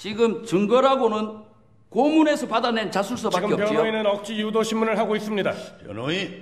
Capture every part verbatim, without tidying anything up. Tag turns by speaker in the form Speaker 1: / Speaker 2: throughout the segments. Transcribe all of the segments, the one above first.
Speaker 1: 지금 증거라고는 고문에서 받아낸 자술서밖에
Speaker 2: 지금
Speaker 1: 없지요.
Speaker 2: 변호인은 억지 유도 신문을 하고 있습니다.
Speaker 3: 변호인.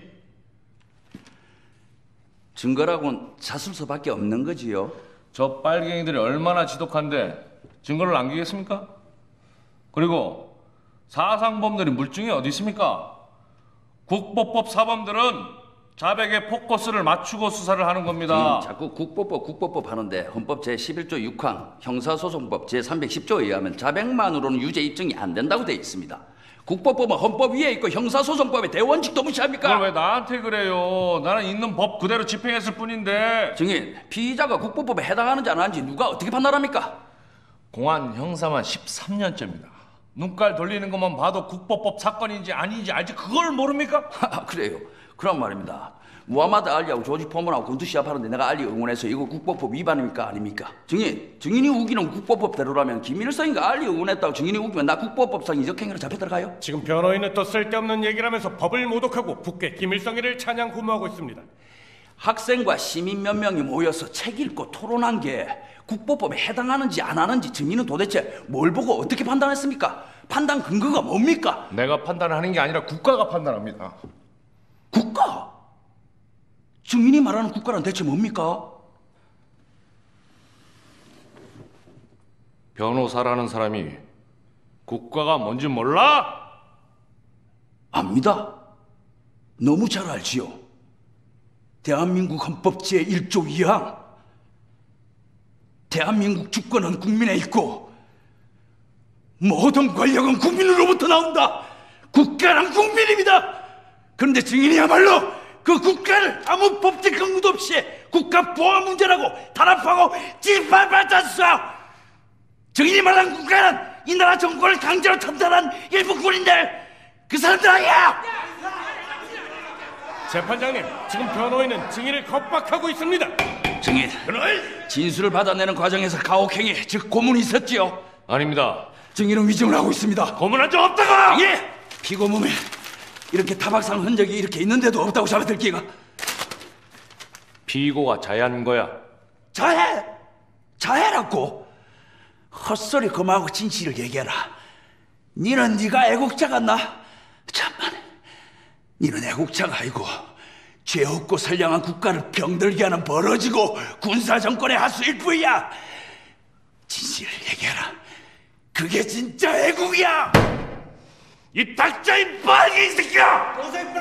Speaker 1: 증거라고는 자술서밖에 없는 거지요.
Speaker 4: 저 빨갱이들이 얼마나 지독한데 증거를 남기겠습니까? 그리고 사상범들이 물증이 어디 있습니까? 국보법 사범들은 자백의 포커스를 맞추고 수사를 하는 겁니다.
Speaker 1: 음, 자꾸 국보법 국보법 하는데 헌법 제십일조 육항 형사소송법 제삼백십조에 의하면 자백만으로는 유죄 입증이 안 된다고 되어 있습니다. 국보법은 헌법 위에 있고 형사소송법의 대원칙도 무시합니까?
Speaker 4: 그걸 왜 나한테 그래요? 나는 있는 법 그대로 집행했을 뿐인데.
Speaker 1: 증인, 피의자가 국보법에 해당하는지 안 하는지 누가 어떻게 판단합니까?
Speaker 4: 공안 형사만 십삼 년째입니다. 눈깔 돌리는 것만 봐도 국보법 사건인지 아닌지 알지 그걸 모릅니까?
Speaker 1: 그래요. 그런 말입니다. 무하마드 알리하고 조지 포먼하고 군투 시합하는데 내가 알리 응원해서 이거 국보법 위반입니까? 아닙니까? 증인, 증인이 우기는 국보법대로라면 김일성이가 알리 응원했다고 증인이 우기면 나 국보법상 이적행위로 잡혀 들어가요?
Speaker 2: 지금 변호인은 또 쓸데없는 얘기를 하면서 법을 모독하고 국회 김일성이를 찬양 구모하고 있습니다.
Speaker 1: 학생과 시민 몇 명이 모여서 책 읽고 토론한 게 국보법에 해당하는지 안 하는지 증인은 도대체 뭘 보고 어떻게 판단했습니까? 판단 근거가 뭡니까?
Speaker 4: 내가 판단하는 게 아니라 국가가 판단합니다.
Speaker 1: 국가? 증인이 말하는 국가란 대체 뭡니까?
Speaker 4: 변호사라는 사람이 국가가 뭔지 몰라?
Speaker 1: 압니다. 너무 잘 알지요. 대한민국 헌법 제일조 이항. 대한민국 주권은 국민에 있고 모든 권력은 국민으로부터 나온다. 국가란 국민입니다. 그런데 증인이야말로 그 국가를 아무 법적 근거도 없이 국가 보안 문제라고 탄압하고 짓밟았었어. 증인이 말한 국가는 이 나라 정권을 강제로 탄탄한 일부 군인들, 그 사람들 아니야.
Speaker 2: 재판장님, 지금 변호인은 증인을 겁박하고 있습니다.
Speaker 1: 증인, 진술을 받아내는 과정에서 가혹행위, 즉 고문이 있었지요?
Speaker 4: 아닙니다.
Speaker 1: 증인은 위증을 하고 있습니다.
Speaker 4: 고문한 적 없다고!
Speaker 1: 예! 피고 몸에 이렇게 타박상 흔적이 이렇게 있는데도 없다고 잡아들 기가.
Speaker 4: 피고가 자해한 거야.
Speaker 1: 자해! 자해라고? 헛소리 그만하고 진실을 얘기해라. 니는 네가 애국자 같나? 참만, 니는 애국자가 아니고 죄 없고 선량한 국가를 병들게 하는 벌어지고 군사정권의 하수일 뿐이야. 진실을 얘기해라. 그게 진짜 애국이야! 이 닥쳐인 빨갱이 새끼야!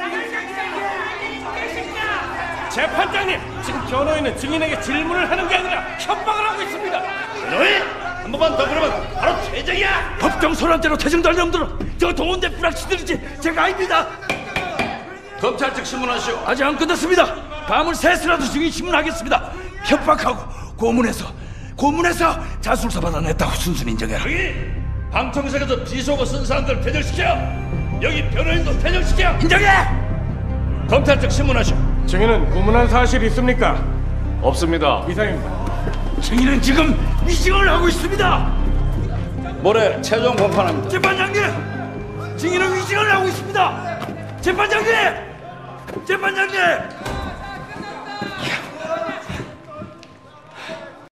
Speaker 2: 재판장님, 지금 변호인은 증인에게 질문을 하는 게 아니라 협박을 하고 있습니다.
Speaker 3: 변호인! 한 번만 더 그러면 바로 퇴정이야!
Speaker 1: 법정 소란대로 퇴정될 놈들은 저 동원대 불락시들이지 제가 아닙니다.
Speaker 3: 검찰 측 신문하시오.
Speaker 1: 아직 안 끝났습니다. 밤을 새서라도 증인 신문하겠습니다. 협박하고 고문해서 고문해서 자술서 받아냈다고 순순히 인정해라.
Speaker 3: 여기 방청석에서 비속어 쓴 사람들 퇴정시켜. 여기 변호인도 퇴정시켜.
Speaker 1: 인정해!
Speaker 3: 검찰 측 신문하시오.
Speaker 2: 증인은 고문한 사실이 있습니까?
Speaker 4: 없습니다.
Speaker 2: 이상입니다.
Speaker 1: 증인은 지금 위증을 하고 있습니다.
Speaker 3: 모레 최종 공판합니다.
Speaker 1: 재판장님! 증인은 위증을 하고 있습니다. 재판장님! 재판장님!